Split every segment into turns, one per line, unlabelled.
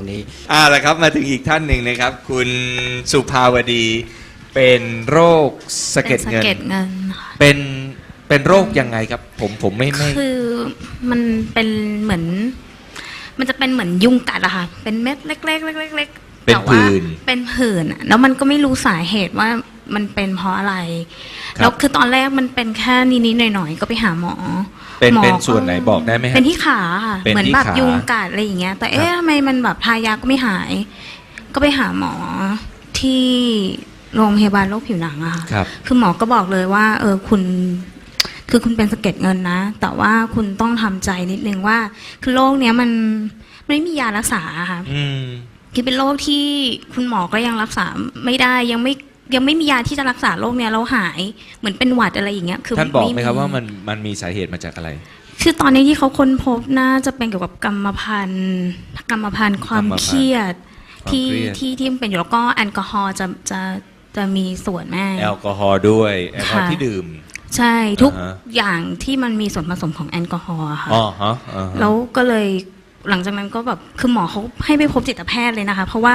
รงนี้
ละครับมาถึงอีกท่านหนึ่งนะครับคุณสุภาวดีเป็นโรคสะเก็ดเงิน
ค่ะ
เป็นโรคยังไงครับผมไม่
คือมันเป็นเหมือนมันจะเป็นเหมือนยุงกัดอะค่ะเป็นเม็ดเล็กๆๆๆ
เป็นผื่น
เป็นผื่นแล้วมันก็ไม่รู้สาเหตุว่ามันเป็นเพราะอะไรแล้วคือตอนแรกมันเป็นแค่นิดๆหน่อยๆก็ไปหาหมอ
เป็นส่วนไหนบอกได้ไหม
เป็นที่ขาค่ะเหมือนแบบยุงกัดอะไรอย่างเงี้ยแต่ทำไมมันแบบทายาก็ไม่หายก็ไปหาหมอที่โรงพยาบาลโรคผิวหนังอะค่ะคือหมอก็บอกเลยว่าคุณเป็นสะเก็ดเงินนะแต่ว่าคุณต้องทำใจนิดนึงว่าคือโรคเนี้ยมันไม่มียารักษาค่ะคือเป็นโรคที่คุณหมอก็ยังรักษาไม่ได้ยังไม่มียาที่จะรักษาโรคเนี้ยเราหายเหมือนเป็นหวัดอะไรอย่างเงี้ยคือ
ท่านบอกไหมครับว่ามันมีสาเหตุมาจากอะไร
คือตอนนี้ที่เขาค้นพบน่าจะเป็นเกี่ยวกับกรรมพันธุ์ความเครียดที่มันเป็นอยู่แล้วก็แอลกอฮอล์จะมีส่วนแม่
แอลกอฮอล์ด้วยแอลกอฮอล์ที่ดื่ม
ใช่ทุกอย่างที่มันมีส่วนผสมของแอลกอฮอล์ค่ะแล้วก็เลยหลังจากนั้นก็แบบคือหมอเขาให้ไปพบจิตแพทย์เลยนะคะเพราะว่า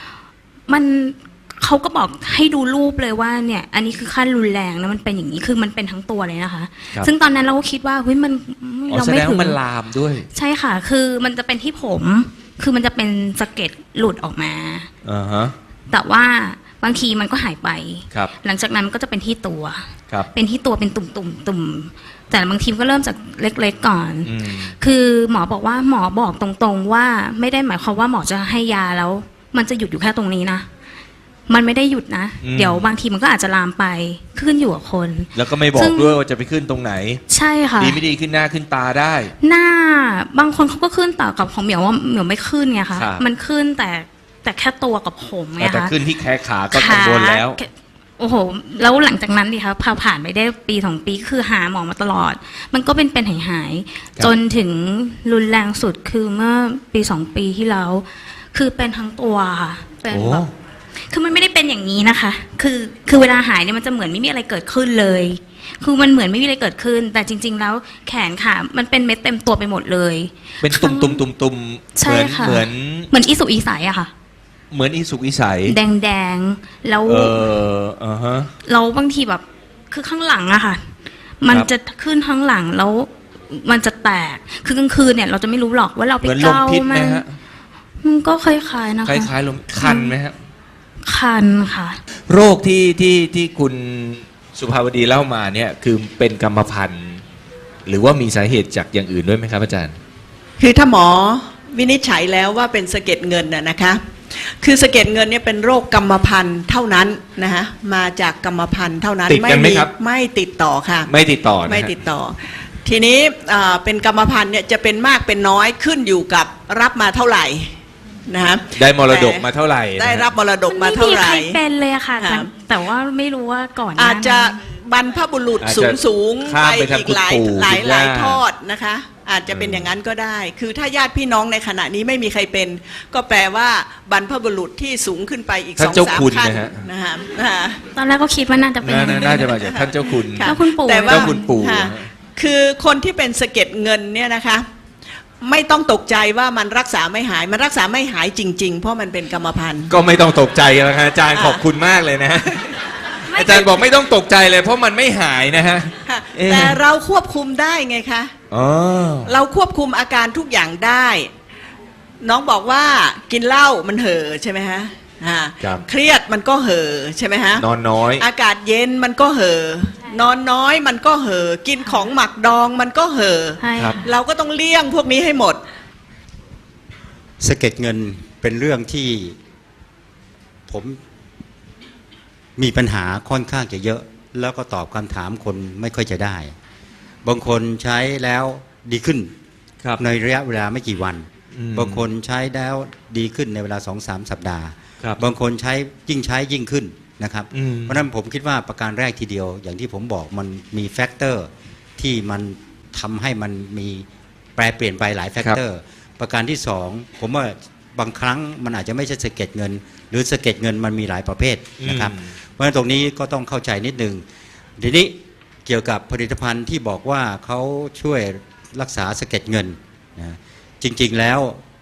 เขาก็บอกให้ดูรูปเลยว่าเนี่ยอันนี้คือขั้นรุนแรงนะมันเป็นอย่างนี้คือมันเป็นทั้งตัวเลยนะคะซึ่งตอนนั้นเราก็คิดว่าเฮ้ยมันเราไม่ถึง
มันลามด้วย
ใช่ค่ะคือมันจะเป็นที่ผมคือมันจะเป็นสะเก็ดหลุดออกมาแต่ว่าบางทีมันก็หายไปหลังจากนั้นก็จะเป็นที่ตัวเป็นที่ตัวเป็นตุ่มแต่บางทีก็เริ่มจากเล็กๆก่อนคือหมอบอกตรงๆว่าไม่ได้หมายความว่าหมอจะให้ยาแล้วมันจะหยุดอยู่แค่ตรงนี้นะมันไม่ได้หยุดนะเดี๋ยวบางทีมันก็อาจจะลามไปขึ้นอยู่กับคน
แล้วก็ไม่บอกด้วยว่าจะไปขึ้นตรงไหน
ใช่ค่ะ
ดีไม่ดีขึ้นหน้าขึ้นตาได้
หน้าบางคนเขาก็ขึ้นแต่กับของเหมียวว่าเหมียวไม่ขึ้นไงคะมันขึ้นแต่แค่ตัวกับผมไงคะ
แต่ขึ้นที่แขนขาก็กังวลแล้ว
โอ้โหแล้วหลังจากนั้นดิคะพอผ่านไปได้ปี2 ปีคือหาหมอมาตลอดมันก็เป็นหายจนถึงรุนแรงสุดคือเมื่อปี2 ปีที่แล้วคือเป็นทั้งตัวค่ะเป็นแบบคือมันไม่ได้เป็นอย่างนี้นะคะคือเวลาหายเนี่ยมันจะเหมือนไม่มีอะไรเกิดขึ้นเลยคือมันเหมือนไม่มีอะไรเกิดขึ้นแต่จริงๆแล้วแขนขามันเป็นเม็ดเต็มตัวไปหมดเลย
เป็นตุ่มเหมือน
อีสุกอีใสอะค่ะ
เหมือนอีสุกอีใส
แดงแล้วเราบางทีแบบคือข้างหลังอะค่ะมันจะขึ้นข้างหลังแล้วมันจะแตกคือกลางคืนเนี่ยเราจะไม่รู้หรอกว่าเราไปเกามันก็คล้ายๆนะคะ
คล้ายๆลมคันไหมครับ
คันค่ะ
โรคที่คุณสุภาวดีเล่ามาเนี่ยคือเป็นกรรมพันธุ์หรือว่ามีสาเหตุจากอย่างอื่นด้วยไหมครับอาจารย์
คือถ้าหมอวินิจฉัยแล้วว่าเป็นสะเก็ดเงินนะคะคือสะเก็ดเงินเนี่ยเป็นโรคกรรมพันธุ์เท่านั้นนะคะมาจากกรรมพันธุ์เท่านั้นไม่ติดต่อค่ะ
ไม่ติดต่อ
ทีนี้เป็นกรรมพันธุ์เนี่ยจะเป็นมากเป็นน้อยขึ้นอยู่กับรับมาเท่าไหร่นะ
ได้มรดกมาเท่าไหร่
ได้รับมรดกมาเท่าไหร่
ไม่มีใครเป็นเลยค่ะแต่ว่าไม่รู้ว่าก่อน
อาจจะบรรพบุรุษสูงไปอีกหลายทอดนะคะอาจจะเป็นอย่างนั้นก็ได้คือถ้าญาติพี่น้องในขณะนี้ไม่มีใครเป็นก็แปลว่าบรรพบุรุษที่สูงขึ้นไปอีก 2-3 ขั้นนะคะ
ตอนแรกก็คิดว่าน่าจะเป็น
น่าจะมาจากท่านเจ้าคุณ
แต่ว่า
คุณปู่
คือคนที่เป็นสะเก็ดเงินเนี่ยนะคะไม่ต้องตกใจว่ามันรักษาไม่หายมันรักษาไม่หายจริงๆเพราะมันเป็นกรรมพันธุ์
ก็ไม่ต้องตกใจแล้วครับอาจารย์ขอบคุณมากเลยนะอาจารย์บอกไม่ต้องตกใจเลยเพราะมันไม่หายนะฮะ
แต่เราควบคุมได้ไงคะเราควบคุมอาการทุกอย่างได้น้องบอกว่ากินเหล้ามันเห่อใช่ไหมฮะเครียดมันก็เห่อใช่ไหมฮะ
นอนน้อย
อากาศเย็นมันก็เห่อนอนน้อยมันก็เห่อกินของหมักดองมันก็เห่อเราก็ต้องเลี่ยงพวกนี้ให้หมด
สะเก็ดเงินเป็นเรื่องที่ผมมีปัญหาค่อนข้างจะเยอะแล้วก็ตอบคำถามคนไม่ค่อยจะได้บางคนใช้แล้วดีขึ้นในระยะเวลาไม่กี่วันบางคนใช้แล้วดีขึ้นในเวลา 2-3 สัปดาห์บางคนใช้ยิ่งขึ้นนะครับเพราะฉะนั้นผมคิดว่าประการแรกทีเดียวอย่างที่ผมบอกมันมีแฟกเตอร์ที่มันทำให้มันมีแปรเปลี่ยนไปหลายแฟกเตอร์ประการที่2ผมว่าบางครั้งมันอาจจะไม่ใช่สะเก็ดเงินหรือสะเก็ดเงินมันมีหลายประเภทนะครับเพราะฉะนั้นตรงนี้ก็ต้องเข้าใจนิดนึงทีนี้เกี่ยวกับผลิตภัณฑ์ที่บอกว่าเขาช่วยรักษาสะเก็ดเงินนะจริงๆแล้ว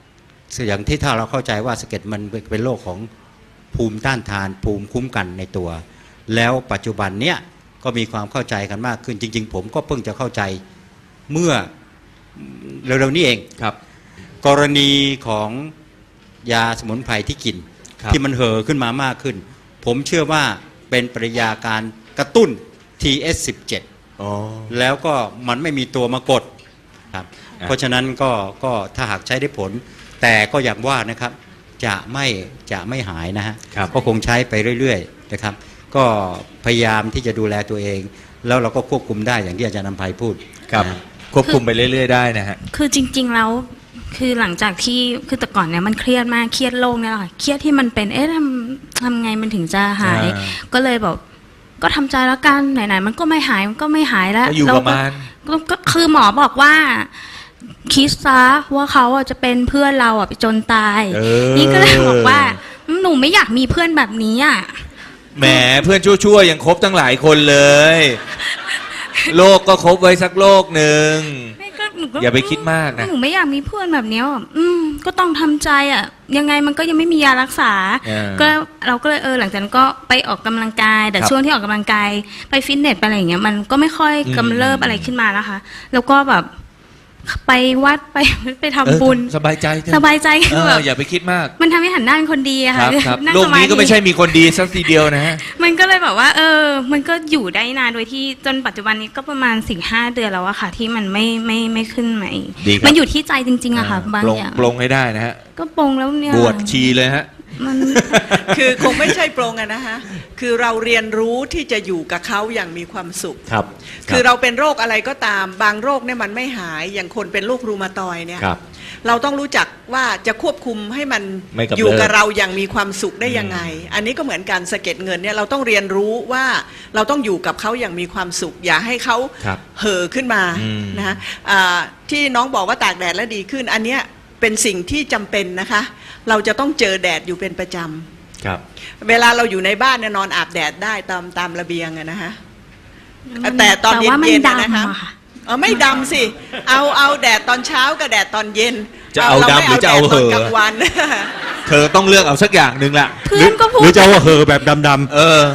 อย่างที่ถ้าเราเข้าใจว่าสะเก็ดมันเป็นโรคของภูมิต้านทานภูมิคุ้มกันในตัว แล้วปัจจุบันเนี้ยก็มีความเข้าใจกันมากขึ้นจริงๆผมก็เพิ่งจะเข้าใจเมื่อเร็วๆนี้เอง
ครับ
กรณีของยาสมุนไพรที่กิน
ครับ
ที่มันเห่อขึ้นมามากขึ้น ผมเชื่อว่าเป็นปฏิกิริยาการกระตุ้น TS17
อ๋อ
แล้วก็มันไม่มีตัวมากดครับ
อ่ะ
เพราะฉะนั้นก็ถ้าหากใช้ได้ผล แต่ก็อย่างว่านะครับจะไม่หายนะฮะ
ครับ
ก็คงใช้ไปเรื่อยๆนะครับก็พยายามที่จะดูแลตัวเอง แล้วเราก็ควบคุมได้อย่างที่อาจารย์นำไพพูด
ครับ
นะ
ควบคุมไปเรื่อยๆได้นะฮะ
คือจริง ๆ แล้วคือหลังจากที่คือแต่ก่อนเนี่ยมันเครียดมากเครียดโรคเนี่ยแหละค่ะเครียดที่มันเป็นทำไงมันถึงจะหาย
อ่า
ก็เลยแบบก็ทำใจแล้วกันไหนๆมันก็ไม่หายมันก็ไม่หายแล้ว
ก็อยู่ประมาณ
ก็คือหมอบอกว่าคิดซะว่าเขาอ่ะจะเป็นเพื่อนเราอ่ะไปจนตาย นี่ก็เลยบอกว่าหนูไม่อยากมีเพื่อนแบบนี้อ่ะ
แหมเพื่อนชั่วๆยังครบตั้งหลายคนเลย โลกก็ครบไว้สักโลกหนึ่ง
ไม่ก็หนูก็
อย่าไปคิดมากนะ
หนูไม่อยากมีเพื่อนแบบเนี้ยอ่ะก็ต้องทำใจอ่ะยังไงมันก็ยังไม่มียารักษา ก็เราก็เลยหลังจากนั้นก็ไปออกกำลังกาย แต่
ครับ
ช่วงที่ออกกำลังกายไปฟิตเนสไปอะไรอย่างเงี้ยมันก็ไม่ค่อยกำเริบอะไรขึ้นมานะคะ แล้วก็แบบไปวัดไปทำบุญ
สบายใจเถอะ
สบายใจคือแบบ
อย่าไปคิดมาก
มันทำให้หันหน้าเป็นคนดีอะ
ค
ค่ะ
รับครับ
นั่ง
โลก
สมา
นี้
ธิ
ก็ไม่ใช่มีคนดีสักทีเดียวนะฮะ
มันก็เลยแบบว่ามันก็อยู่ได้นานโดยที่จนปัจจุบันนี้ก็ประมาณ4-5 เดือนแล้วอะค่ะ ที่มันไม่ขึ้นมาอีก
ดีครับ
มันอยู่ที่ใจจริงๆอะค่ะบาง
ปลง
อย่าง
ปลงให้ได้นะฮะ
ก็ปลงแล้วเนี่ย
บวชชีเลยฮะ
มัน
คือคงไม่ใช่ปรงอะนะคะคือเราเรียนรู้ที่จะอยู่กับเขาอย่างมีความสุข
ครับ
คือเราเป็นโรคอะไรก็ตามบางโรคเนี่ยมันไม่หายอย่างคนเป็นโรครูมาตอยด์เนี่ย
ครับ
เราต้องรู้จักว่าจะควบคุมให้มัน
ไม่กำเริบ
อยู่กับเราอย่างมีความสุขได้ยังไง อันนี้ก็เหมือนการสะเก็ดเงินเนี่ยเราต้องเรียนรู้ว่าเราต้องอยู่กับเขาอย่างมีความสุข อย่าให้เขา
ครับ
เห่อขึ้นมา
อืม
นะฮะที่น้องบอกว่าตากแดดแล้วดีขึ้น อันเนี้ยเป็นสิ่งที่จำเป็นนะคะ เราจะต้องเจอแดดอยู่เป็นประจำ
ครับ
เวลาเราอยู่ในบ้านเนี่ยนอนอาบแดดได้ตามระเบียงอะนะฮะ แต่ตอนเย็น
ว่ามั
ๆ
ดำ
นะคะ
ค่ะ
ไม่ดำสิ เอาแดดตอนเช้ากับแดดตอนเย็น
จะเอาดำหรือจะเอาเหอะ
รไม่แดดตอนกลางวัน
เธอต้องเลือกเอาสักอย่างหนึ่งละ
เพื่อนก็พูด
หรือจะว่าเห่อแบบดำ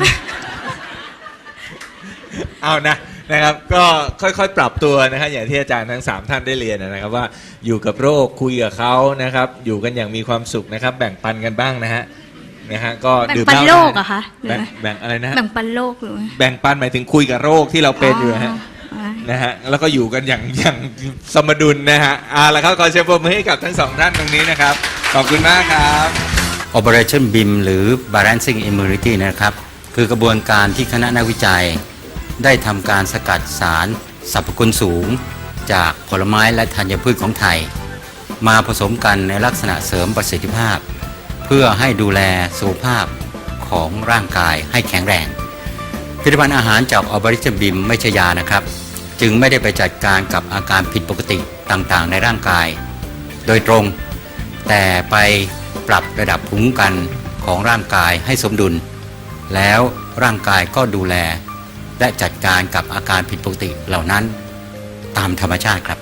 เอานะครับก็ค่อยๆปรับตัวนะครับอย่างที่อาจารย์ทั้ง3ท่านได้เรียนนะครับว่าอยู่กับโรคคุยกับเขานะครับอยู่กันอย่างมีความสุขนะครับแบ่งปันกันบ้างนะฮะก็
แบ่ง
ดื่ม
ปัน
เหล้า
โลกเหรอะคะหรือ
แบ่งอะไรนะฮะ
แบ่งปันโลกหรือ
แบ่งปันหมายถึงคุยกับโรคที่เราเป็นอยู่นะฮะ นะฮะแล้วก็อยู่กันอย่างสมดุลนะฮะละครับขอเชิญปรบมือให้กับทั้งสองท่านตรงนี้นะครับขอบคุณมากครับ
Operation BIM หรือ Balancing Immunity นะครับคือกระบวนการที่คณะนักวิจัย ได้ทำการสกัดสารสรรพคุณสูง จากผลไม้และธัญพืชของไทย มาผสมกันในลักษณะเสริมประสิทธิภาพ เพื่อให้ดูแลสุขภาพของร่างกายให้แข็งแรงผลิตภัณฑ์อาหารจาก Operation BIM ไม่ใช่ยานะครับจึงไม่ได้ไปจัดการกับอาการผิดปกติต่างๆในร่างกาย โดยตรง แต่ไปปรับระดับภูมิคุ้มกันของร่างกายให้สมดุล แล้วร่างกายก็ดูแล และจัดการกับอาการผิดปกติเหล่านั้นตามธรรมชาติครับ